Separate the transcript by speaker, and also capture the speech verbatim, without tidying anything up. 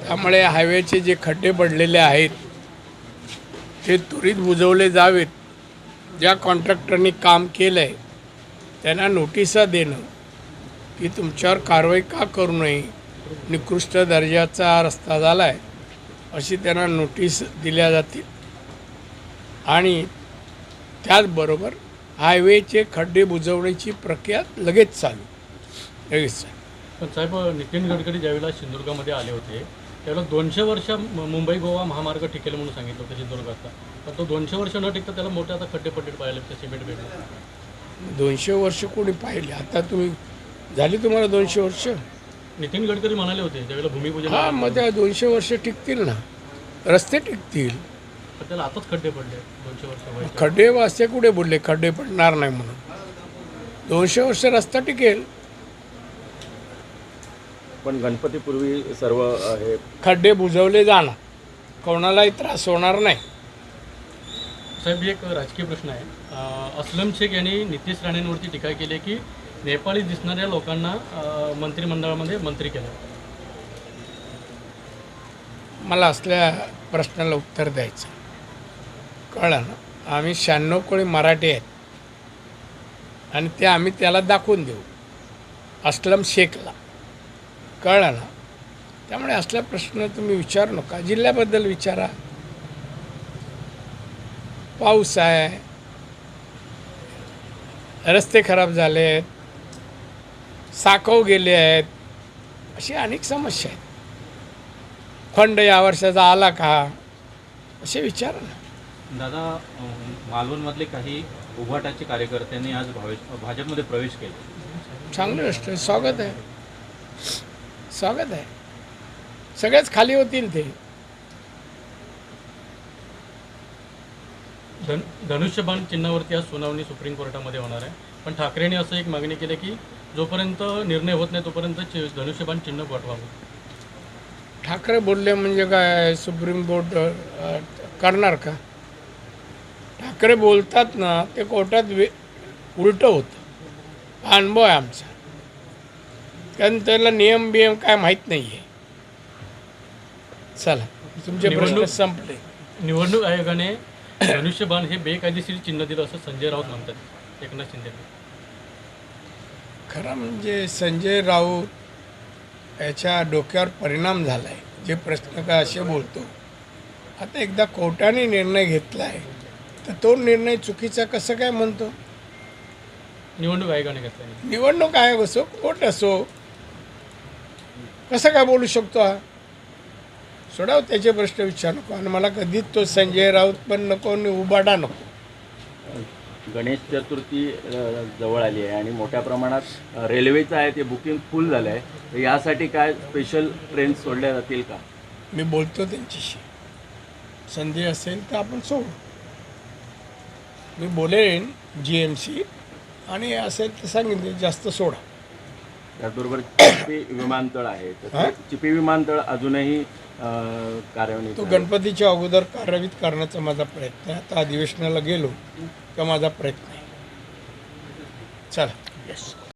Speaker 1: त्यामुळे हायवेचे जे खड्डे पडलेले आहेत ते त्वरित बुजवले जावेत. ज्या कॉन्ट्रॅक्टरनी काम केलं आहे त्यांना नोटिसा देणं की तुमच्यावर कारवाई का करू नये, निकृष्ट दर्जाचा रस्ता झाला आहे अशी त्यांना नोटीस दिल्या जातील. आणि त्याचबरोबर हायवेचे खड्डे बुजवण्याची प्रक्रिया लगेच चालू लगेच चालू
Speaker 2: पण साहेब, नितीन गडकरी ज्यावेळेला सिंधुदुर्गामध्ये आले होते त्यावेळेला दोनशे वर्ष मुंबई गोवा महामार्ग टिकेल म्हणून सांगितलं होतं सिंधुदुर्गाचा. पण तो दोनशे वर्ष न टिकता त्याला मोठे आता खड्डे पड्डे पाहिले ते सिमेंट भेटले.
Speaker 1: दोनशे वर्ष कोणी पाहिले? आता तुम्ही झाली तुम्हाला दोनशे वर्ष?
Speaker 2: नितीन गडकरी म्हणाले होते त्यावेळेला भूमिपूजन.
Speaker 1: हां, मग त्या दोनशे वर्ष टिकतील ना, रस्ते टिकतील.
Speaker 2: पण त्याला आताच खड्डे पडले दोनशे वर्ष व्हायचे.
Speaker 1: खड्डे वाजते कुठे बोलले खड्डे पडणार नाही म्हणून? दोनशे वर्ष रस्ता टिकेल.
Speaker 3: पण गणपतीपूर्वी सर्व अ, हे
Speaker 1: खड्डे बुजवले जाणार, कोणालाही त्रास होणार नाही.
Speaker 2: साहेब, एक राजकीय प्रश्न आहे. अं, अस्लम शेख यांनी नितीश राणेंवरती टीका केली आहे की नेपाळी दिसणाऱ्या लोकांना अं, मंत्रिमंडळामध्ये मंत्री केलं.
Speaker 1: मला असल्या प्रश्नाला उत्तर द्यायचं कळलं ना. आम्ही शहाण्णव कोळी मराठी आहेत आणि ते आम्ही त्याला दाखवून देऊ अस्लम शेखला, कळलं ना. त्यामुळे असला प्रश्न तुम्ही विचारू नका, जिल्ह्याबद्दल विचारा. पाऊस आहे, रस्ते खराब झाले आहेत, साकव गेले आहेत, अशी अनेक समस्या आहेत. फंड या वर्षाचा आला का असे विचारा ना.
Speaker 4: दादा, अं, मालवणमधले काही उभाटाचे कार्यकर्त्यांनी आज भावे- भाजपमध्ये प्रवेश केला.
Speaker 1: चांगली गोष्ट आहे, स्वागत आहे, स्वागत आहे. सगळेच खाली होतील ते.
Speaker 2: धन धनुष्यबाण चिन्हावरती आज सुनावणी सुप्रीम कोर्टामध्ये होणार आहे. पण ठाकरेंनी असं एक मागणी केली की जोपर्यंत निर्णय होत नाही तोपर्यंत चि- धनुष्यबाण चिन्ह पाठवावं.
Speaker 1: ठाकरे बोलले म्हणजे काय सुप्रीम कोर्ट अ, करणार का? ठाकरे बोलतात ना ते कोर्टात वे उलटं होतं. हा अनुभव आहे आमचा, कारण त्याला नियम बियम काय माहीत नाही आहे. चला, तुमचे प्रश्न
Speaker 2: निवडणूक-
Speaker 1: संपले.
Speaker 2: निवडणूक आयोगाने धनुष्यबाण हे बेकायदेशीर चिन्ह दिलं असं संजय राऊत म्हणतात एकनाथ शिंदे.
Speaker 1: खरं म्हणजे संजय राऊत याच्या डोक्यावर परिणाम झाला आहे. जे प्रश्न का असे बोलतो, आता एकदा कोर्टाने निर्णय घेतला आहे तर तो निर्णय चुकीचा कसं काय म्हणतो?
Speaker 2: निवडणूक आयोगाने घेतला.
Speaker 1: निवडणूक आयोग असो, कोर्ट असो, कसं काय बोलू शकतो हा? सोडाव त्याचे प्रश्न विचार नको. आणि मला कधीच तो संजय राऊत पण नको आणि उबाडा नको.
Speaker 3: गणेश चतुर्थी अ, जवळ आली आहे आणि मोठ्या प्रमाणात अ, रेल्वेचं आहे ते बुकिंग फुल झालं आहे. तर यासाठी काय स्पेशल ट्रेन सोडल्या जातील का?
Speaker 1: मी बोलतो त्यांच्याशी, संधी असेल तर आपण सोडू. मी बोलेन जी एम सी, आणि असेल तर सांगितले जास्त सोडा.
Speaker 3: त्याचबरोबर चिपी विमानतळ आहे, तर
Speaker 1: हा?
Speaker 3: ते चिपी विमानतळ अजूनही अ, कार्यान्वित
Speaker 1: तो
Speaker 3: आहे.
Speaker 1: गणपतीच्या अगोदर कार्यान्वित करण्याचा माझा प्रयत्न आहे. आता अधिवेशनाला गेलो का माझा प्रयत्न आहे. चला, येस.